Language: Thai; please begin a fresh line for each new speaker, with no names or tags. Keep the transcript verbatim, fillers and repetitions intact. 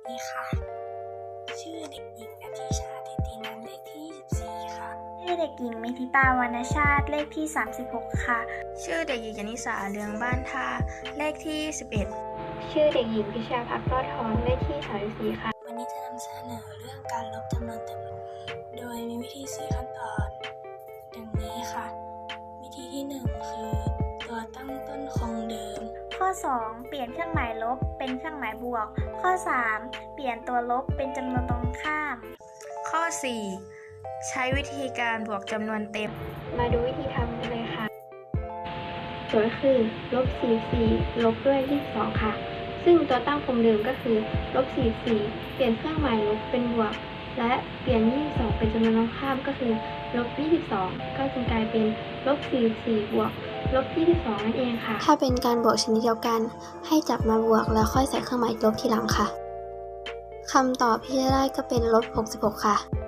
ดีค่ะชื่อเด็กหญิงณทิชาทิตินันท์เลขที่ยี่สิบสี่ค่ะ
ชื่อเด็กหญิงมิถิตาวรรณชาติเลขที่สามสิบหกค่ะ
ชื่อเด็กหญิงยนิสาเลืองบ้านท่าเลขที่ยี่สิบเอ็ด
ชื่อเด็กหญิงพิชาภักดิ์รอดทองเลขที่สามสิบสี่ค่ะ
วันนี้จะนำเสนอเรื่องการลบจำนวนเต็มโดยมีวิธีสี่ขั้นตอนดังนี้ค่ะวิธีที่หนึ่งคือตัวตั้งต้นคงเดิม
ข้อสองเปลี่ยนเครื่องหมายลบเป็นเครื่องหมายบวกข้อสามเปลี่ยนตัวลบเป็นจำนวนตรงข้าม
ข้อสี่ใช้วิธีการบวกจำนวนเต็ม
มาดูวิธีทำกันเลยค่ะโจทย์คือลบสี่สิบสี่ลบด้วยยี่สิบสองค่ะซึ่งตัวตั้งคงเดิมก็คือลบสี่สิบสี่เปลี่ยนเครื่องหมายลบเป็นบวกและเปลี่ยนยี่สิบสองเป็นจำนวนตรงข้ามก็คือลบยี่สิบสองก็จึงกลายเป็นลบสี่สิบสี่บวกลบยี่สิบสองนั่นเองค่ะถ้าเป็นการบวกชนิดเดียวกันให้จับมาบวกแล้วค่อยใส่เครื่องหมายลบทีหลังค่ะคำตอบที่ได้ก็เป็นลบหกสิบหกค่ะ